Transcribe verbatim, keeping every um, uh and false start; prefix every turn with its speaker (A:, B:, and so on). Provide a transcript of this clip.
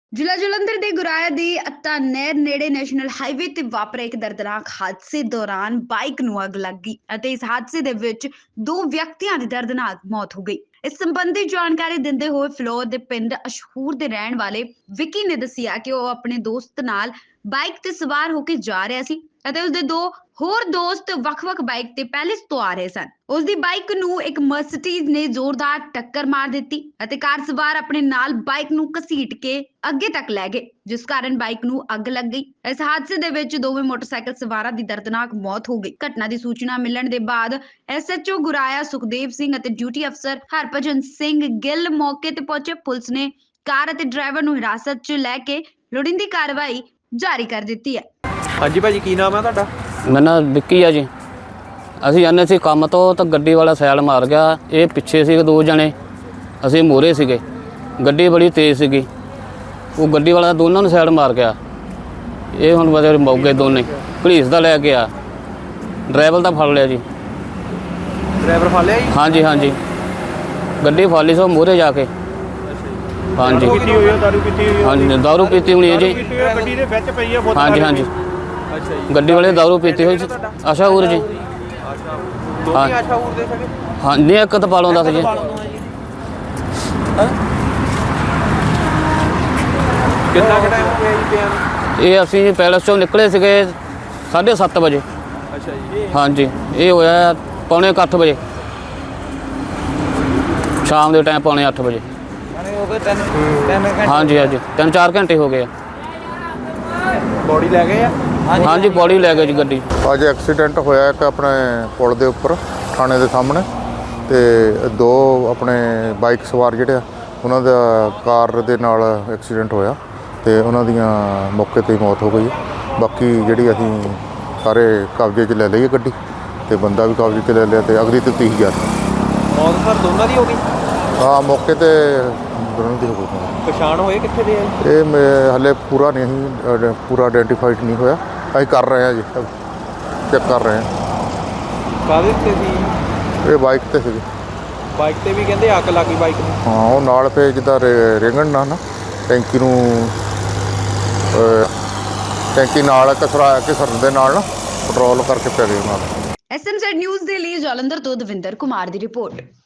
A: ਜ਼ਿਲ੍ਹਾ ਜਲੰਧਰ ਦੇ ਗੁਰਾਇਆ ਦੀ ਅੱਤਾ ਨਹਿਰ ਨੇੜੇ ਨੈਸ਼ਨਲ ਹਾਈਵੇ ਤੇ ਵਾਪਰੇ ਇੱਕ ਦਰਦਨਾਕ ਹਾਦਸੇ ਦੌਰਾਨ ਬਾਈਕ ਨੂੰ ਅੱਗ ਲੱਗ ਗਈ ਅਤੇ ਇਸ ਹਾਦਸੇ ਦੇ ਵਿੱਚ ਦੋ ਵਿਅਕਤੀਆਂ ਦੀ ਦਰਦਨਾਕ ਮੌਤ ਹੋ ਗਈ। ਇਸ ਸੰਬੰਧੀ ਜਾਣਕਾਰੀ ਦਿੰਦੇ ਹੋਏ ਫਲੋਰ ਦੇ ਪਿੰਡ ਅਸ਼ਹੂਰ ਦੇ ਰਹਿਣ ਵਾਲੇ ਵਿੱਕੀ ਨੇ ਦੱਸਿਆ ਕਿ ਉਹ ਆਪਣੇ ਦੋਸਤ ਨਾਲ ਬਾਈਕ ਤੇ ਸਵਾਰ ਹੋ ਕੇ ਜਾ ਰਿਹਾ ਸੀ ਅਤੇ ਉਸਦੇ ਦੋ ਹੋਰ ਦੋਸਤ ਵੱਖ-ਵੱਖ ਬਾਈਕ ਤੇ ਪੈਲੇਸ ਤੋਂ ਆ ਰਹੇ ਸਨ। ਉਸ ਦੀ ਬਾਈਕ ਨੂੰ ਇੱਕ ਮਰਸੀਡੀਜ਼ ਨੇ ਜ਼ੋਰਦਾਰ ਟੱਕਰ ਮਾਰ ਦਿੱਤੀ ਅਤੇ ਕਾਰ ਸਵਾਰ ਆਪਣੇ ਨਾਲ ਬਾਈਕ ਨੂੰ ਘਸੀਟ ਕੇ ਅੱਗੇ ਤੱਕ ਲੈ ਗਏ, ਜਿਸ ਕਾਰਨ ਬਾਈਕ ਨੂੰ ਅੱਗ ਲੱਗ ਗਈ। ਇਸ ਹਾਦਸੇ ਦੇ ਵਿੱਚ ਦੋਵੇਂ ਮੋਟਰਸਾਈਕਲ ਸਵਾਰਾਂ ਦੀ ਦਰਦਨਾਕ ਮੌਤ ਹੋ ਗਈ। ਘਟਨਾ ਦੀ ਸੂਚਨਾ ਮਿਲਣ ਦੇ ਬਾਅਦ S H O Guraya Sukhdev Singh ਅਤੇ ਡਿਊਟੀ ਅਫਸਰ ਹਰਭਜਨ ਸਿੰਘ ਗਿੱਲ ਮੌਕੇ ਤੇ ਪਹੁੰਚੇ। ਪੁਲਿਸ ਨੇ ਕਾਰ ਅਤੇ ਡਰਾਈਵਰ ਨੂੰ ਹਿਰਾਸਤ 'ਚ ਲੈ ਕੇ ਲੋੜੀਂਦੀ ਕਾਰਵਾਈ ਜਾਰੀ ਕਰ ਦਿੱਤੀ ਹੈ।
B: ਹਾਂਜੀ ਭਾਜੀ, ਕੀ ਨਾਮ ਹੈ ਤੁਹਾਡਾ?
C: ਮੇਰਾ ਨਾਮ ਵਿੱਕੀ ਆ ਜੀ। ਅਸੀਂ ਜਾਂਦੇ ਸੀ ਕੰਮ ਤੋਂ ਤਾਂ ਗੱਡੀ ਵਾਲਾ ਸੈਲ ਮਾਰ ਗਿਆ। ਇਹ ਪਿੱਛੇ ਸੀ ਦੋ ਜਣੇ, ਅਸੀਂ ਮੂਹਰੇ ਸੀਗੇ। ਗੱਡੀ ਬੜੀ ਤੇਜ਼ ਸੀਗੀ, ਉਹ ਗੱਡੀ ਵਾਲਾ ਦੋਨਾਂ ਨੂੰ ਸੈਲ ਮਾਰ ਗਿਆ। ਇਹ ਹੁਣ ਬਸ ਮੌਕੇ ਦੋਨੇ ਪੁਲਿਸ ਦਾ ਲੈ ਕੇ ਆ, ਡਰਾਈਵਰ ਦਾ ਫੜ ਲਿਆ ਜੀ।
B: ਡਰਾਈਵਰ ਫੜ ਲਿਆ ਜੀ?
C: ਹਾਂਜੀ ਹਾਂਜੀ, ਗੱਡੀ ਫੜ ਲਈ ਸੋ ਮੂਹਰੇ ਜਾ ਕੇ। ਹਾਂਜੀ
B: ਪੀਤੀ ਹੋਈ ਹੈ, ਦਾਰੂ ਪੀਤੀ ਹੋਈ ਹੈ?
C: ਹਾਂਜੀ ਦਾਰੂ ਪੀਤੀ ਹੋਣੀ ਹੈ ਜੀ।
B: ਗੱਡੀ ਦੇ ਵਿੱਚ ਪਈ ਹੈ ਬੋਤਲ?
C: ਹਾਂਜੀ ਹਾਂਜੀ,
B: ਅੱਛਾ ਜੀ।
C: ਗੱਡੀ ਵਾਲੇ ਦਾਰੂ ਪੀਤੀ ਹੋਈ। ਅਸ਼ਹੂਰ ਜੀ।
B: ਅੱਛਾ, ਦੋਨੇ ਅਸ਼ਹੂਰ ਦੇ ਸੀਗੇ?
C: ਹਾਂ, ਨਹੀਂ ਇੱਕ ਤਾਂ ਪਾਲੋਂ ਦੱਸ ਜੀ।
B: ਕਿੰਨਾ ਕੁ ਟਾਈਮ ਹੋ ਗਿਆ ਜੀ ਪਿਆ ਨੂੰ?
C: ਇਹ ਅਸੀਂ ਪੈਲਸ ਚੋਂ ਨਿਕਲੇ ਸੀਗੇ ਸਾਢੇ ਸੱਤ ਵਜੇ।
B: ਅੱਛਾ ਜੀ।
C: ਹਾਂਜੀ, ਇਹ ਹੋਇਆ ਪੌਣੇ ਕੁ ਅੱਠ ਵਜੇ ਸ਼ਾਮ ਦੇ ਟਾਈਮ, ਪੌਣੇ ਅੱਠ ਵਜੇ।
B: ਹੋ ਗਏ ਤਿੰਨ ਤਿੰਨ ਘੰਟੇ?
C: ਹਾਂਜੀ ਹਾਂਜੀ, ਤਿੰਨ ਚਾਰ ਘੰਟੇ ਹੋ ਗਏ ਆ।
B: ਬੋਡੀ ਲੈ ਗਏ ਆ?
C: ਹਾਂਜੀ, ਬੋਡੀ ਲੈ ਗਏ ਜੀ ਗੱਡੀ।
D: ਅੱਜ ਐਕਸੀਡੈਂਟ ਹੋਇਆ ਇੱਕ ਆਪਣੇ ਪੁਲ ਦੇ ਉੱਪਰ ਥਾਣੇ ਦੇ ਸਾਹਮਣੇ, ਤੇ ਦੋ ਆਪਣੇ ਬਾਈਕ ਸਵਾਰ ਜਿਹੜੇ ਆ ਉਹਨਾਂ ਦਾ ਕਾਰ ਦੇ ਨਾਲ ਐਕਸੀਡੈਂਟ ਹੋਇਆ ਤੇ ਉਹਨਾਂ ਦੀਆਂ ਮੌਕੇ 'ਤੇ ਹੀ ਮੌਤ ਹੋ ਗਈ। ਬਾਕੀ ਜਿਹੜੀ ਅਸੀਂ ਸਾਰੇ ਕਬਜ਼ੇ 'ਚ ਲੈ ਲਈ ਗੱਡੀ ਤੇ ਬੰਦਾ ਵੀ ਕਬਜ਼ੇ 'ਚ ਲੈ ਲਿਆ ਤੇ ਅਗਲੀ ਤੇ ਤੀਹ ਹਜ਼ਾਰ
B: ਮੌਤ ਸਰ ਦੋਨਾਂ ਦੀ ਹੋ ਗਈ?
D: ਹਾਂ, ਮੌਕੇ 'ਤੇ ਦੋਨਾਂ ਦੀ ਹੋ ਗਈ।
B: ਪਛਾਣ ਹੋਏ ਕਿੱਥੇ ਦੇ ਆ?
D: ਇਹ ਮੈਂ ਹਾਲੇ ਪੂਰਾ ਨਹੀਂ ਅਸੀਂ ਪੂਰਾ ਆਇਡੈਂਟੀਫਾਈਡ ਨਹੀਂ ਹੋਇਆ, ਅਸੀਂ ਕਰ ਰਹੇ ਹਾਂ ਜੀ, ਚੈੱਕ ਕਰ ਰਹੇ ਹਾਂ।
B: ਕਾਹਦੇ ਤੇ ਸੀ?
D: ਇਹ ਬਾਈਕ 'ਤੇ ਸੀਗੇ।
B: ਬਾਈਕ ਤੇ ਵੀ ਕਹਿੰਦੇ ਅੱਗ ਲੱਗੀ ਬਾਈਕ ਨੂੰ?
D: ਹਾਂ, ਉਹ ਨਾਲ ਫੇ ਜਿੱਦਾਂ ਰੇਂਗਣ ਨਾਲ ਨਾ ਟੈਂਕੀ ਨੂੰ ਟੈਂਕੀ ਨਾਲ ਕਸਰਾ ਕੇ ਸਰਨ ਦੇ ਨਾਲ ਨਾ ਪੈਟਰੋਲ ਕਰਕੇ ਪੈ ਗਏ ਨਾਲ।
A: ਐਸ ਐਮ ਜ਼ੈਡ ਨਿਊਜ਼ ਦੇ ਲਈ ਜਲੰਧਰ ਤੋਂ ਦਵਿੰਦਰ ਕੁਮਾਰ ਦੀ ਰਿਪੋਰਟ।